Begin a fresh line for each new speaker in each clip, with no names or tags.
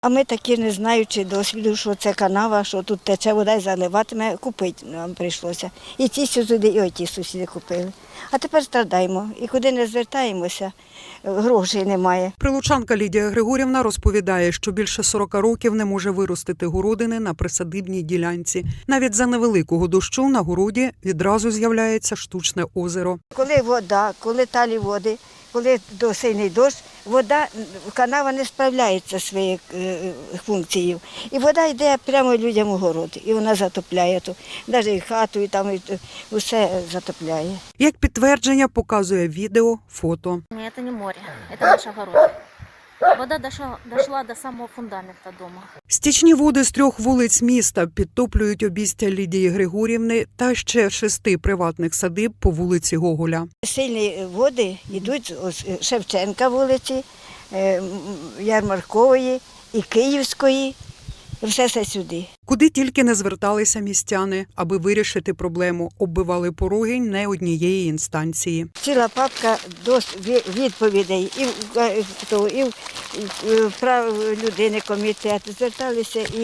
А ми такі, не знаючи досвіду, що це канава, що тут тече вода і заливатиме, купити нам прийшлося. І ті сусіди, і оті сусіди купили. А тепер страдаємо. І куди не звертаємося, грошей немає.
Прилучанка Лідія Григорівна розповідає, що більше 40 років не може виростити городини на присадибній ділянці. Навіть за невеликого дощу на городі відразу з'являється штучне озеро.
Коли вода, коли талі води, коли сильний дощ, вода, канава не справляється зі своєю функцією. І вода йде прямо людям у город, і вона затопляє тут. Навіть і хату, і там і усе затопляє.
Як підтвердження показує відео, фото.
Это не море, это наш огород. Вода дошла до самого фундамента дома.
Стічні води з 3 вулиць міста підтоплюють обійстя Лідії Григорівни та ще 6 приватних садиб по вулиці Гоголя.
Сильні води йдуть з Шевченка вулиці, Ярмаркової і Київської. Все це сюди.
Куди тільки не зверталися містяни, аби вирішити проблему, оббивали пороги не однієї інстанції.
Ціла папка відповідей і в прав людини комітет, зверталися і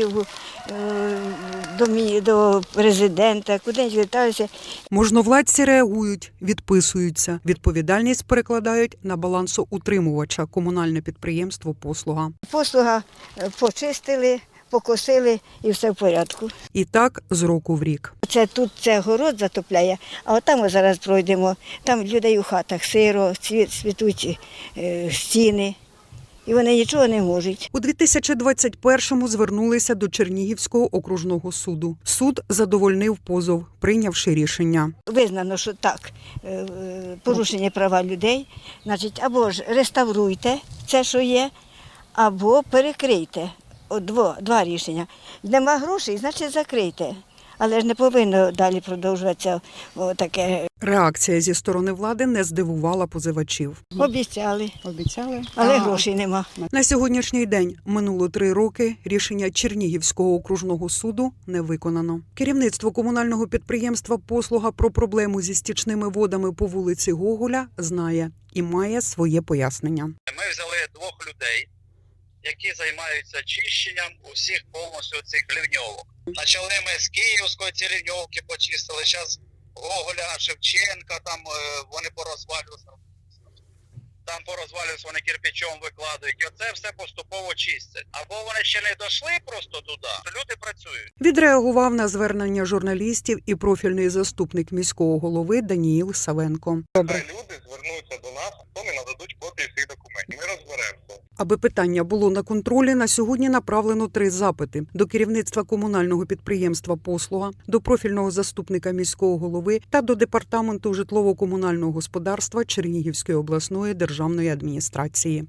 до президента, куди зверталися.
Можновладці реагують, відписуються. Відповідальність перекладають на балансоутримувача комунальне підприємство «Послуга».
Послуга почистили, покосили і все в порядку.
І так з року в рік.
Це город затопляє, а отам ми зараз пройдемо, там людей у хатах сиро, цвітуть стіни, і вони нічого не можуть.
У 2021-му звернулися до Чернігівського окружного суду. Суд задовольнив позов, прийнявши рішення.
Визнано, що так, порушення права людей, значить, або ж реставруйте це, що є, або перекрийте. Два рішення. Нема грошей, значить закрийте. Але ж не повинно далі продовжуватися таке.
Реакція зі сторони влади не здивувала позивачів.
Обіцяли, але грошей нема.
На сьогоднішній день минуло 3 роки, рішення Чернігівського окружного суду не виконано. Керівництво комунального підприємства «Послуга» про проблему зі стічними водами по вулиці Гоголя знає і має своє пояснення.
Ми взяли 2 людей, які займаються чищенням усіх повністю цих лівньовок. Почали ми з Київської ці лівньовки почистили, зараз Гоголя, Шевченка, там вони порозвалюються. Там порозвалюються, вони кирпичом викладають. І оце все поступово чистять. Або вони ще не дійшли просто туди, люди працюють.
Відреагував на звернення журналістів і профільний заступник міського голови Даніїл Савенко.
Хай люди звернуться до нас, вони нададуть копії всіх документів. Ми розберемося.
Аби питання було на контролі, на сьогодні направлено 3 запити до керівництва комунального підприємства «Послуга», до профільного заступника міського голови та до департаменту житлово-комунального господарства Чернігівської обласної державної адміністрації.